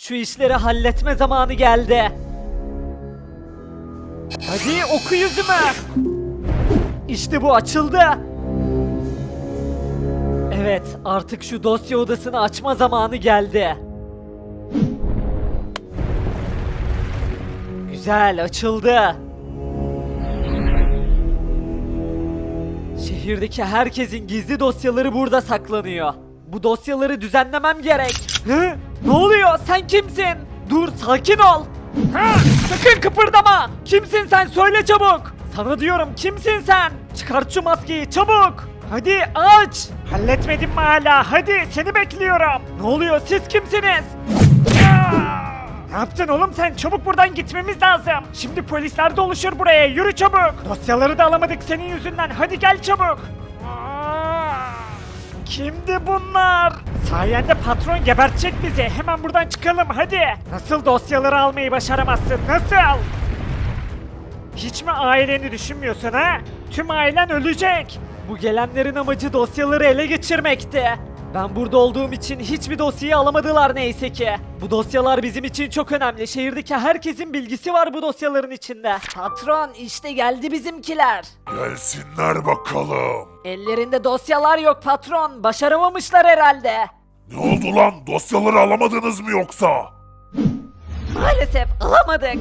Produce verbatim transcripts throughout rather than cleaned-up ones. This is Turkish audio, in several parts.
Şu işleri halletme zamanı geldi. Hadi oku yüzüme. İşte bu açıldı. Evet, artık şu dosya odasını açma zamanı geldi. Güzel, açıldı. Şehirdeki herkesin gizli dosyaları burada saklanıyor. Bu dosyaları düzenlemem gerek. Hı? Ne oluyor? Sen kimsin? Dur, sakin ol. Ha, sakın kıpırdama. Kimsin sen? Söyle çabuk. Sana diyorum, kimsin sen? Çıkart şu maskeyi çabuk. Hadi aç. Halletmedin mi hala? Hadi seni bekliyorum. Ne oluyor? Siz kimsiniz? Ne yaptın oğlum sen? Çabuk buradan gitmemiz lazım. Şimdi polisler doluşur buraya. Yürü çabuk. Dosyaları da alamadık senin yüzünden. Hadi gel çabuk. Kimdi bunlar? Sayende patron gebertecek bizi. Hemen buradan çıkalım hadi. Nasıl dosyaları almayı başaramazsın? Nasıl? Hiç mi aileni düşünmüyorsun ha? Tüm ailen ölecek. Bu gelenlerin amacı dosyaları ele geçirmekti. Ben burada olduğum için hiçbir dosyayı alamadılar neyse ki. Bu dosyalar bizim için çok önemli. Şehirdeki herkesin bilgisi var bu dosyaların içinde. Patron işte geldi bizimkiler. Gelsinler bakalım. Ellerinde dosyalar yok patron. Başaramamışlar herhalde. Ne oldu lan? Dosyaları alamadınız mı yoksa? Maalesef alamadık.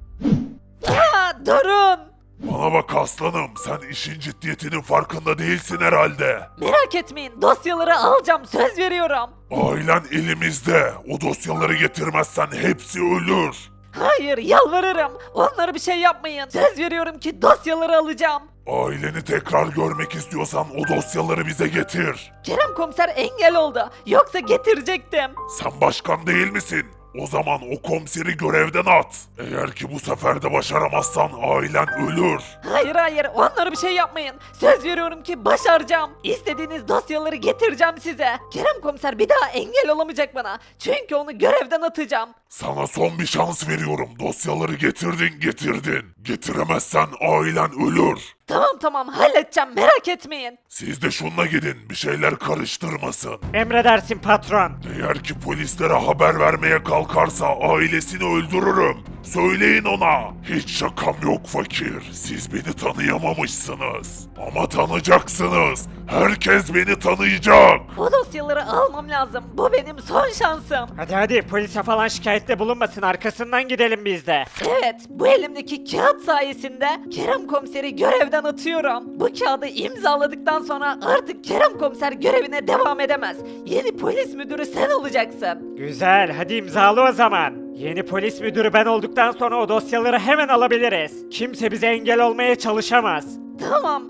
Aa, durun. Bana bak aslanım, sen işin ciddiyetinin farkında değilsin herhalde. Merak etmeyin dosyaları alacağım söz veriyorum. Ailen elimizde. O dosyaları getirmezsen hepsi ölür. Hayır yalvarırım. Onlara bir şey yapmayın. Söz veriyorum ki dosyaları alacağım. Aileni tekrar görmek istiyorsan o dosyaları bize getir. Kerem komiser engel oldu. Yoksa getirecektim. Sen başkan değil misin? O zaman o komiseri görevden at. Eğer ki bu sefer de başaramazsan ailen ölür. Hayır hayır onlara bir şey yapmayın. Söz veriyorum ki başaracağım. İstediğiniz dosyaları getireceğim size. Kerem komiser bir daha engel olamayacak bana. Çünkü onu görevden atacağım. Sana son bir şans veriyorum. Dosyaları getirdin getirdin. Getiremezsen ailen ölür. Tamam tamam halledeceğim merak etmeyin. Siz de şununla gidin, bir şeyler karıştırmasın. Emredersin patron. Eğer ki polislere haber vermeye kalkarsa ailesini öldürürüm. Söyleyin ona. Hiç şakam yok fakir. Siz beni tanıyamamışsınız. Ama tanıyacaksınız. Herkes beni tanıyacak. O dosyaları almam lazım. Bu benim son şansım. Hadi hadi polise falan şikayette bulunmasın, arkasından gidelim biz de. Evet, bu elimdeki kağıt sayesinde Kerem komiseri görevden atıyorum. Bu kağıdı imzaladıktan sonra artık Kerem komiser görevine devam edemez. Yeni polis müdürü sen olacaksın. Güzel, hadi imzalı o zaman. Yeni polis müdürü ben olduktan sonra o dosyaları hemen alabiliriz. Kimse bize engel olmaya çalışamaz. Tamam.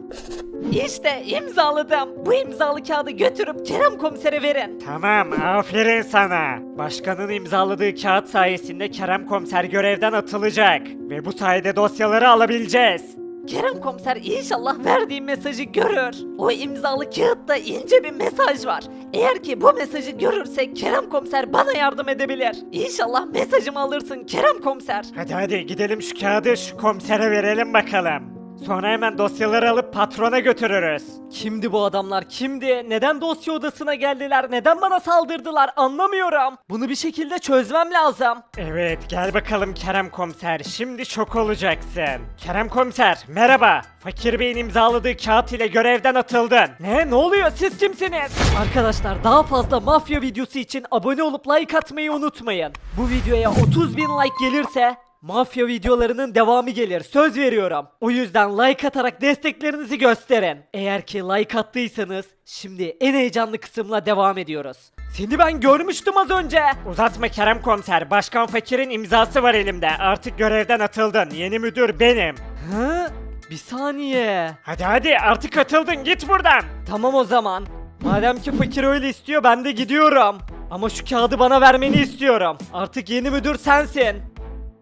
İşte imzaladım. Bu imzalı kağıdı götürüp Kerem komisere verin. Tamam, aferin sana. Başkanın imzaladığı kağıt sayesinde Kerem komiser görevden atılacak. Ve bu sayede dosyaları alabileceğiz. Kerem komiser inşallah verdiğim mesajı görür. O imzalı kağıtta ince bir mesaj var. Eğer ki bu mesajı görürse Kerem komiser bana yardım edebilir. İnşallah mesajımı alırsın Kerem komiser. Hadi hadi gidelim şu kağıdı şu komisere verelim bakalım. Sonra hemen dosyaları alıp patrona götürürüz. Kimdi bu adamlar? Kimdi? Neden dosya odasına geldiler? Neden bana saldırdılar? Anlamıyorum. Bunu bir şekilde çözmem lazım. Evet gel bakalım Kerem komiser, şimdi şok olacaksın. Kerem komiser merhaba. Fakir Bey'in imzaladığı kağıt ile görevden atıldın. Ne? Ne oluyor? Siz kimsiniz? Arkadaşlar daha fazla mafya videosu için abone olup like atmayı unutmayın. Bu videoya otuz bin like gelirse mafya videolarının devamı gelir. Söz veriyorum. O yüzden like atarak desteklerinizi gösterin. Eğer ki like attıysanız şimdi en heyecanlı kısımla devam ediyoruz. Seni ben görmüştüm az önce. Uzatma Kerem komiser, Başkan Fakir'in imzası var elimde. Artık görevden atıldın. Yeni müdür benim. Hı? Bir saniye. Hadi hadi artık atıldın, git buradan. Tamam o zaman. Madem ki fakir öyle istiyor ben de gidiyorum. Ama şu kağıdı bana vermeni istiyorum. Artık yeni müdür sensin.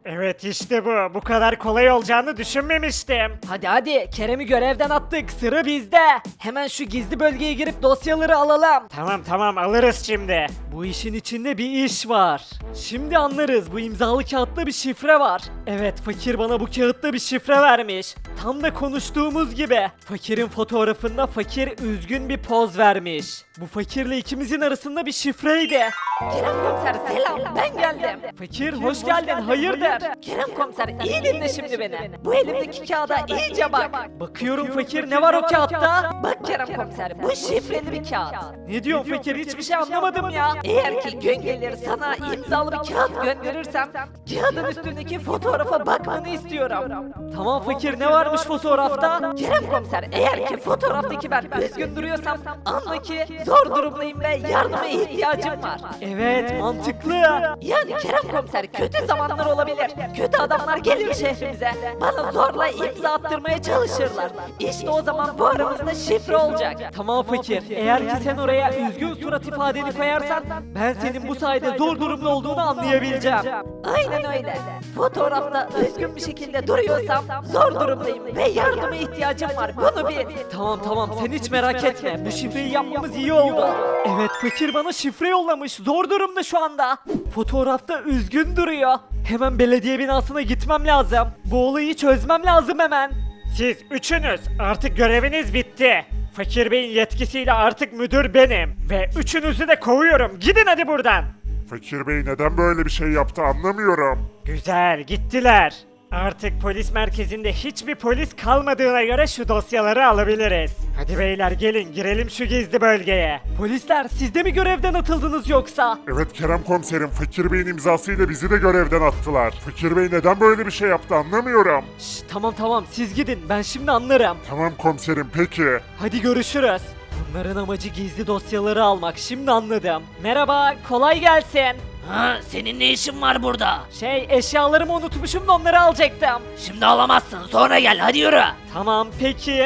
Evet işte bu. Bu kadar kolay olacağını düşünmemiştim. Hadi hadi Kerem'i görevden attık, sıra bizde. Hemen şu gizli bölgeye girip dosyaları alalım. Tamam tamam alırız şimdi. Bu işin içinde bir iş var. Şimdi anlarız, bu imzalı kağıtta bir şifre var. Evet, fakir bana bu kağıtta bir şifre vermiş. Tam da konuştuğumuz gibi. Fakirin fotoğrafında fakir üzgün bir poz vermiş. Bu fakirle ikimizin arasında bir şifreydi. Kerem komiser selam, ben geldim. Fakir hoş geldin, hayırdır? Kerem komiser iyi dinle şimdi beni. Bu elimdeki kağıda iyice bak. Bakıyorum fakir, ne var o kağıtta? Bak Kerem komiser bu şifreli bir kağıt. Ne diyorsun fakir, hiçbir şey anlamadım ya. Eğer ki gün gelir sana imzalı bir kağıt gönderirsem kağıdın üstündeki fotoğrafa bakmanı istiyorum. Tamam fakir, ne varmış fotoğrafta? Kerem komiser eğer ki fotoğraftaki ben üzgün duruyorsam anla ki zor durumdayım ve yardıma ihtiyacım var. Evet, mantıklı. Yani Kerem komiser kötü zamanlar olabilir. Kötü adamlar gelir şehrimize. Bana zorla imza attırmaya çalışırlar. İşte o zaman bu aramızda şifre olacak. Tamam fakir, eğer ki sen oraya üzgün surat ifadeni koyarsan ben senin bu sayede zor durumda olduğunu anlayabileceğim. Aynen öyle. Fotoğrafta üzgün bir şekilde duruyorsam zor durumdayım ve yardıma ihtiyacım var. Bunu bil. Tamam tamam, sen hiç merak etme, bu şifreyi yapmamız iyi oldu. Evet, fakir bana şifre yollamış, zor durumda şu anda. Fotoğrafta üzgün duruyor. Hemen belediye binasına gitmem lazım. Bu olayı çözmem lazım hemen. Siz üçünüz artık göreviniz bitti. Fakir Bey'in yetkisiyle artık müdür benim. Ve üçünüzü de kovuyorum. Gidin hadi buradan. Fakir Bey neden böyle bir şey yaptı anlamıyorum. Güzel gittiler. Artık polis merkezinde hiçbir polis kalmadığına göre şu dosyaları alabiliriz. Hadi beyler gelin girelim şu gizli bölgeye. Polisler, siz de mi görevden atıldınız yoksa? Evet Kerem komiserim, Fakir Bey'in imzasıyla bizi de görevden attılar. Fakir Bey neden böyle bir şey yaptı anlamıyorum. Şş, tamam tamam, siz gidin, ben şimdi anlarım. Tamam komiserim peki. Hadi görüşürüz. Bunların amacı gizli dosyaları almak, şimdi anladım. Merhaba, kolay gelsin. Ha, senin ne işin var burada? Şey, eşyalarımı unutmuşum da onları alacaktım. Şimdi alamazsın. Sonra gel. Hadi yürü. Tamam peki.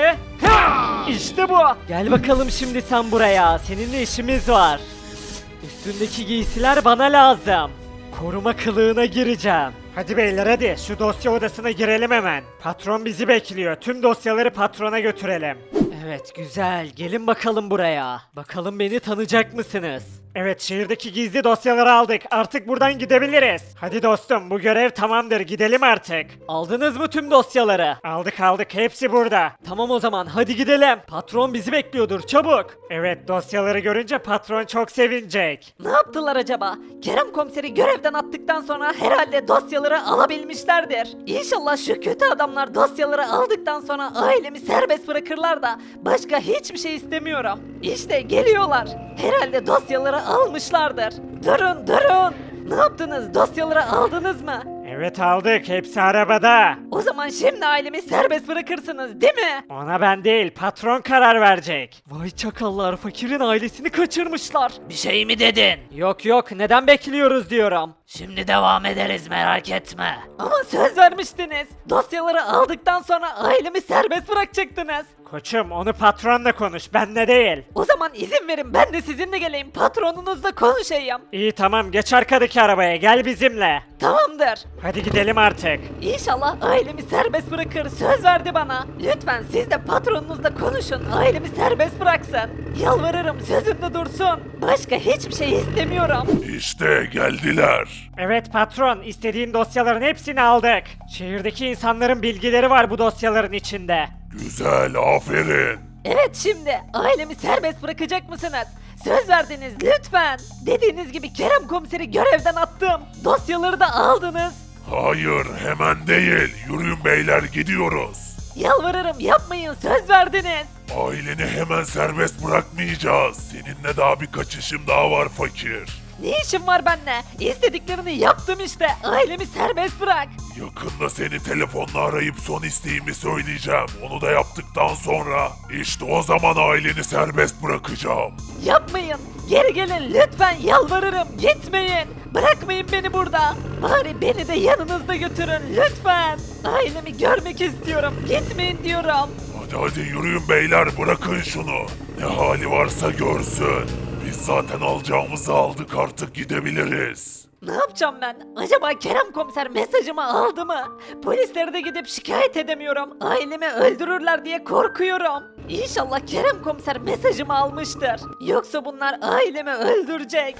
Ha! İşte bu. Gel bakalım şimdi sen buraya. Seninle işimiz var. Üstündeki giysiler bana lazım. Koruma kılığına gireceğim. Hadi beyler hadi şu dosya odasına girelim hemen. Patron bizi bekliyor. Tüm dosyaları patrona götürelim. Evet güzel. Gelin bakalım buraya. Bakalım beni tanıyacak mısınız? Evet şehirdeki gizli dosyaları aldık. Artık buradan gidebiliriz. Hadi dostum bu görev tamamdır. Gidelim artık. Aldınız mı tüm dosyaları? Aldık aldık hepsi burada. Tamam o zaman hadi gidelim. Patron bizi bekliyordur, çabuk. Evet dosyaları görünce patron çok sevinecek. Ne yaptılar acaba? Kerem komiseri görevden attıktan sonra herhalde dosyaları alabilmişlerdir. İnşallah şu kötü adamlar dosyaları aldıktan sonra ailemi serbest bırakırlar da başka hiçbir şey istemiyorum. İşte geliyorlar. Herhalde dosyaları almışlardır. Durun durun. Ne yaptınız? Dosyaları aldınız mı? Evet aldık hepsi arabada. O zaman şimdi ailemi serbest bırakırsınız değil mi? Ona ben değil patron karar verecek. Vay çakallar, fakirin ailesini kaçırmışlar. Bir şey mi dedin? Yok yok, neden bekliyoruz diyorum. Şimdi devam ederiz merak etme. Ama söz vermiştiniz. Dosyaları aldıktan sonra ailemi serbest bırakacaktınız. Koçum onu patronla konuş benle değil. O zaman izin verin ben de sizinle geleyim patronunuzla konuşayım. İyi tamam geç arkadaki arabaya gel bizimle. Tamamdır. Hadi gidelim artık. İnşallah ailemi serbest bırakır söz verdi bana. Lütfen siz de patronunuzla konuşun ailemi serbest bıraksın. Yalvarırım sözünde dursun. Başka hiçbir şey istemiyorum. İşte geldiler. Evet patron istediğin dosyaların hepsini aldık. Şehirdeki insanların bilgileri var bu dosyaların içinde. Güzel, aferin. Evet şimdi ailemi serbest bırakacak mısınız? Söz verdiniz lütfen. Dediğiniz gibi Kerem komiseri görevden attım. Dosyaları da aldınız. Hayır, hemen değil. Yürüyün beyler, gidiyoruz. Yalvarırım yapmayın söz verdiniz. Aileni hemen serbest bırakmayacağız. Seninle daha birkaç işim daha var fakir. Ne işin var benimle? İstediklerini yaptım işte. Ailemi serbest bırak. Yakında seni telefonla arayıp son isteğimi söyleyeceğim. Onu da yaptıktan sonra işte o zaman aileni serbest bırakacağım. Yapmayın. Geri gelin lütfen yalvarırım. Gitmeyin. Bırakmayın beni burada. Bari beni de yanınızda götürün lütfen. Ailemi görmek istiyorum. Gitmeyin diyorum. Hadi hadi yürüyün beyler, bırakın şunu. Ne hali varsa görsün. Biz zaten alacağımızı aldık, artık gidebiliriz. Ne yapacağım ben? Acaba Kerem komiser mesajımı aldı mı? Polislere de gidip şikayet edemiyorum. Ailemi öldürürler diye korkuyorum. İnşallah Kerem komiser mesajımı almıştır. Yoksa bunlar ailemi öldürecek.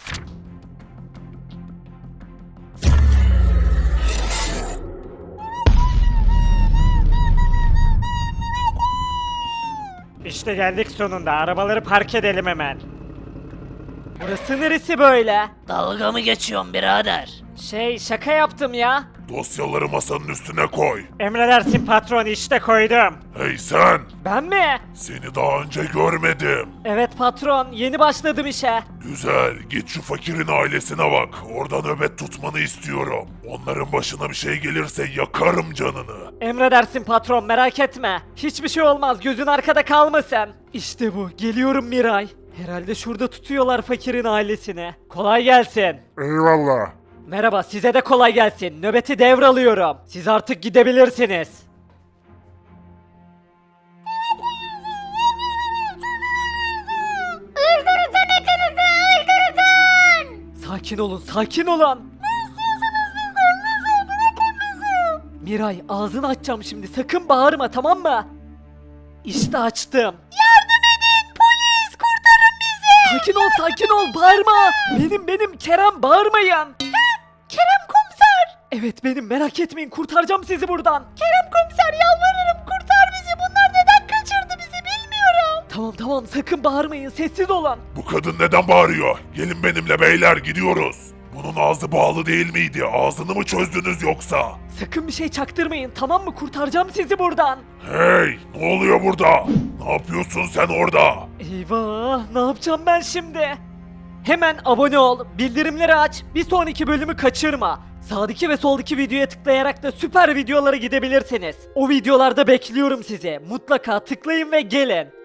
İşte geldik sonunda. Arabaları park edelim hemen. Burası neresi böyle? Dalga mı geçiyorsun birader? Şey şaka yaptım ya. Dosyaları masanın üstüne koy. Emredersin patron, işte koydum. Hey sen! Ben mi? Seni daha önce görmedim. Evet patron yeni başladım işe. Güzel, git şu fakirin ailesine bak. Orada nöbet tutmanı istiyorum. Onların başına bir şey gelirse yakarım canını. Emredersin patron merak etme. Hiçbir şey olmaz gözün arkada kalmasın. İşte bu geliyorum Miray. Herhalde şurada tutuyorlar fakirin ailesini. Kolay gelsin. Eyvallah. Merhaba size de kolay gelsin. Nöbeti devralıyorum. Siz artık gidebilirsiniz. Sakin olun, sakin olun. Miray, ağzını açacağım şimdi. Sakın bağırma, tamam mı? İşte açtım. Yardım edin, polis, kurtarın bizi. Sakin ol, sakin ol, bağırma. Benim, benim Kerem, bağırmayın. Kerem komiser. Evet benim, merak etmeyin, kurtaracağım sizi buradan. Kerem komiser, yalvarırım, kurtar bizi. Bunlar neden kaçırdı bizi bilmiyorum. Tamam tamam, sakın bağırmayın, sessiz olun. Bu kadın neden bağırıyor? Gelin benimle beyler, gidiyoruz. Bunun ağzı bağlı değil miydi? Ağzını mı çözdünüz yoksa? Sakın bir şey çaktırmayın, tamam mı? Kurtaracağım sizi buradan. Hey! Ne oluyor burada? Ne yapıyorsun sen orada? Eyvah, ne yapacağım ben şimdi? Hemen abone ol, bildirimleri aç, bir sonraki bölümü kaçırma. Sağdaki ve soldaki videoya tıklayarak da süper videolara gidebilirsiniz. O videolarda bekliyorum sizi. Mutlaka tıklayın ve gelin.